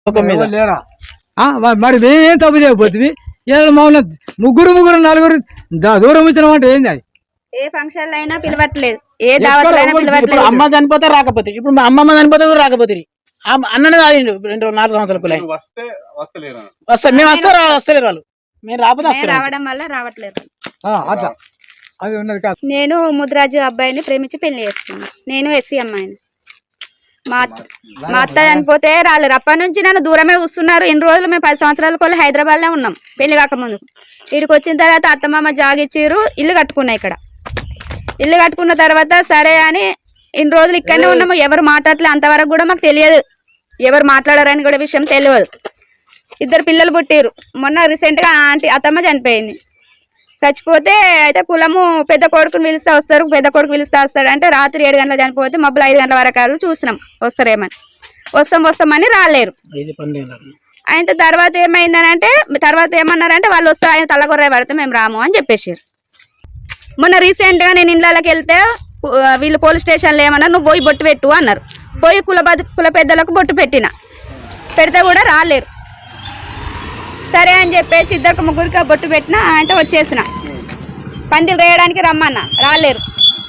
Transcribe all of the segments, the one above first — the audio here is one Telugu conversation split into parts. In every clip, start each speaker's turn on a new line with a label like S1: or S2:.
S1: లేరా మరి మేమేం తప్పు చేయకపోతుంది మమ్మల్ని ముగ్గురు నలుగురు దూరం ఇచ్చినాం అంటే ఏంది అది?
S2: ఏ ఫంక్షన్ అయినా పిలవట్లేదు, ఏ దావత్లైనా పిలవట్లేదు.
S3: అమ్మ చనిపోతే రాకపోతే, ఇప్పుడు మా అమ్మమ్మ చనిపోతే కూడా రాకపోతే అన్ననే తాగిండు 4 సంవత్సరాలు వస్తా మేము వస్తలేరు వాళ్ళు, మేము రాకపోతే
S2: రావడం వల్ల రావట్లేదు.
S1: అట్లా అది ఉన్నది కాదు.
S2: నేను ముద్రాజు అబ్బాయిని ప్రేమించి పెళ్లి చేసుకున్నాను. నేను ఎస్సీ అమ్మాయిని. మా అత్త చనిపోతే రాలేరు. అప్పటి నుంచి నన్ను దూరమే చూస్తున్నారు. ఎన్ని రోజులు మేము 10 సంవత్సరాల కొల్ల హైదరాబాద్లో ఉన్నాం పెళ్లి కాకముందు. ఇక్కడికి వచ్చిన తర్వాత అత్తమామ జాగిచ్చిరు, ఇల్లు కట్టుకున్నా. ఇక్కడ ఇల్లు కట్టుకున్న తర్వాత సరే అని ఇన్ని రోజులు ఇక్కడనే ఉన్నాము. ఎవరు మాట్లాడలే, అంతవరకు కూడా మాకు తెలియదు. ఎవరు మాట్లాడారని కూడా విషయం తెలియదు. 2 పిల్లలు పుట్టిరు. మొన్న రీసెంట్గా అత్తమ్మ చనిపోయింది. చచ్చిపోతే అయితే కులము పెద్ద కొడుకుని పిలుస్తా వస్తారు, పెద్ద కొడుకు పిలుస్తా వస్తాడు అంటే రాత్రి 7 గంటలకు చనిపోతే మబ్బులు 5 గంటల వరకు చూసినాం వస్తారేమని. వస్తామని రాలేరు. ఆయన తర్వాత ఏమైందనంటే ఏమన్నారంటే వాళ్ళు వస్తే ఆయన తలగొర్ర పడితే మేము రాము అని చెప్పేసారు. మొన్న రీసెంట్గా నేను ఇళ్ళకి వెళ్తే వీళ్ళు పోలీస్ స్టేషన్లో ఏమన్నారు, నువ్వు పోయి బొట్టు పెట్టు అన్నారు. పోయి కుల పెద్దలకు బొట్టు పెడితే కూడా రాలేరు. సరే అని చెప్పేసి 2 ముగ్గురికి బొట్టు పెట్టిన ఆయనతో వచ్చేసిన. పందిలు వేయడానికి రమ్మన్నా, రాలేరు.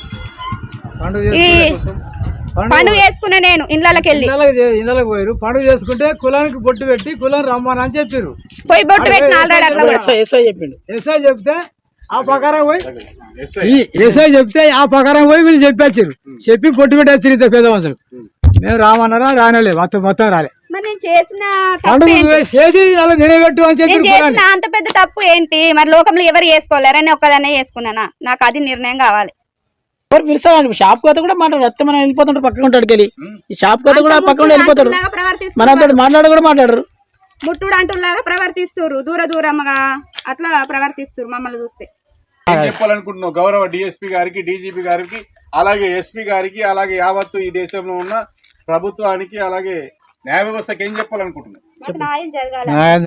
S2: ఈ పండుగ చేసుకున్నా నేను ఇళ్ళకి వెళ్ళి
S1: ఇళ్ళకి పోయారు. పండుగ చేసుకుంటే కులానికి బొట్టు పెట్టి కులం రమ్మని అని చెప్పారు.
S2: పోయి బొట్టు పెట్టిన ఆల్రెడీ అట్లా కూడా
S1: ఎస్ఐ చెప్తే ఆ ప్రకారం పోయి వీళ్ళు చెప్పారు. చెప్పి పొట్టు పెట్టేస్తారు. 2 పెద్ద మనుషులు మేము రామన్నారా రానలేదు, మొత్తం రాలే.
S2: మరి నేను చేసిన అంత పెద్ద తప్పు ఏంటి? మరి లోకంలో ఎవరు చేసుకోలేరని ఒక్కదాన్నే చేసుకున్నానా? నాకు అది నిర్ణయం కావాలి.
S3: ఎవరు పిలుస్తాడు? షాప్ కోత కూడా మాట్లాడు, వస్తే మనం వెళ్ళిపోతుంటాడు, పక్కన ఉంటాడు వెళ్ళి. ఈ షాప్ కోత కూడా పక్కన వెళ్ళిపోతాడు, మనతో మాట్లాడరు.
S2: ముట్టుడు అంటులాగా ప్రవర్తిస్తారు, దూరంగా అట్లా ప్రవర్తిస్తారు మమ్మల్ని చూస్తే.
S4: ఏం చెప్పాలనుకుంటున్నావు గౌరవ డిఎస్పీ గారికి, డీజీపీ గారికి, అలాగే ఎస్పీ గారికి, అలాగే యావత్తు ఈ దేశంలో ఉన్న ప్రభుత్వానికి, అలాగే న్యాయ వ్యవస్థకి ఏం చెప్పాలనుకుంటున్నావు?
S2: న్యాయం జరగాలి.